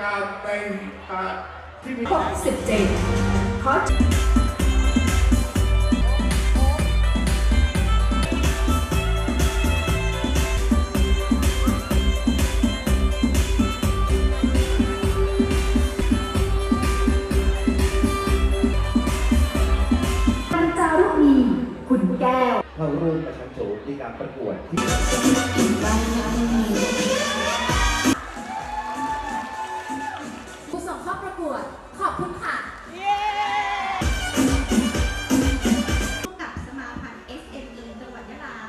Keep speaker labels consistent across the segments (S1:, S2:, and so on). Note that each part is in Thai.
S1: การเป็นที่มี
S2: 67ขอจารุณีขุนแก้ว
S3: เข้าร่วมประชันโฉมในการประกวดที่
S2: ผู้ส่งเข้าประกวดขอบคุณค่ะ
S4: กับสมาพันธ์ SME จังหวัดยะลา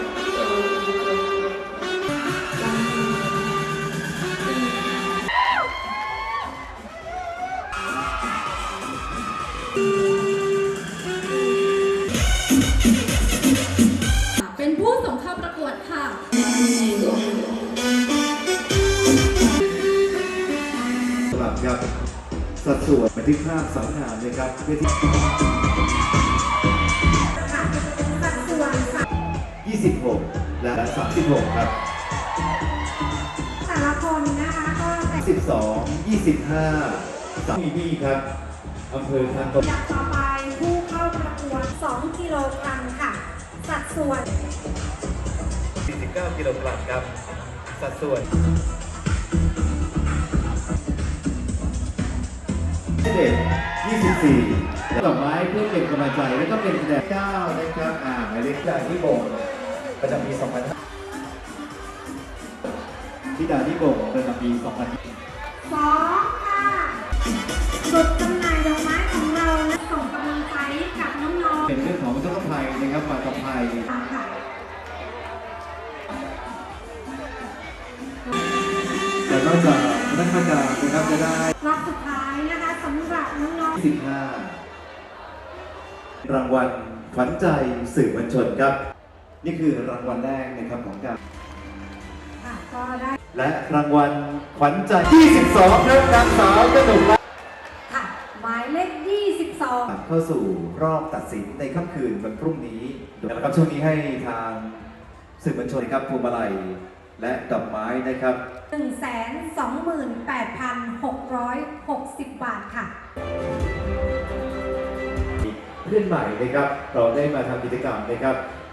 S2: เป็นผู้ส่งเข้าประกวดค่ะ
S3: สำหรับครับสัดส่วนบันทึกภาพสำคัญนะครับเพื่อที่
S4: สัดส่วน
S3: 26 และ 36 ครับ
S4: แต่ละคนนะคะก็แต่
S3: 12 25 3นี่ครับอำเภอทางตะ
S4: อยากต่อไปผู้เข้าประกวด 2 กิโลกรัมค่ะ สัดส่วน
S3: 49 กิโลกรัมครับสัดส่วน24ดอกไม้เพื่อเป็นกำลังใจแล้วก็เป็นคะแนน9นะครับหมายเลขจากที่บ่งประจำปี 2000ที่ดาที่บ่งประจำปี 2000
S4: 2 ค่ะจุดจำหน่ายดอกไม้ของเราและส่งกำลังใจกับน้องๆ
S3: เป็นเรื่องของอุทกภัยนะครับป่าตะไคร้
S4: ค่ะ
S3: แต่นอกจากนักการนะครับจะได้
S4: รอบสุดท้ายนะคะสำหรับน้องๆ
S3: 15 รางวัลขวัญใจสื่อมวลชนครับ นี่คือรางวัลแรกนะครับของการ
S4: ค่ะก็ได้
S3: และรางวัลขวัญใจ 22ครับนางสาวกนกรัตน์
S4: ค่ะหมายเลข 22
S3: เข้าสู่รอบตัดสินในค่ำคืนวันพรุ่งนี้นะครับช่วงนี้ให้ทางสื่อมวลชนครับพวงมาลัยและดอกไม้นะครับ
S4: 128,660 บาทค่ะ
S3: เพื่อนใหม่นะครับเราได้มาทำกิจกรรมนะครับ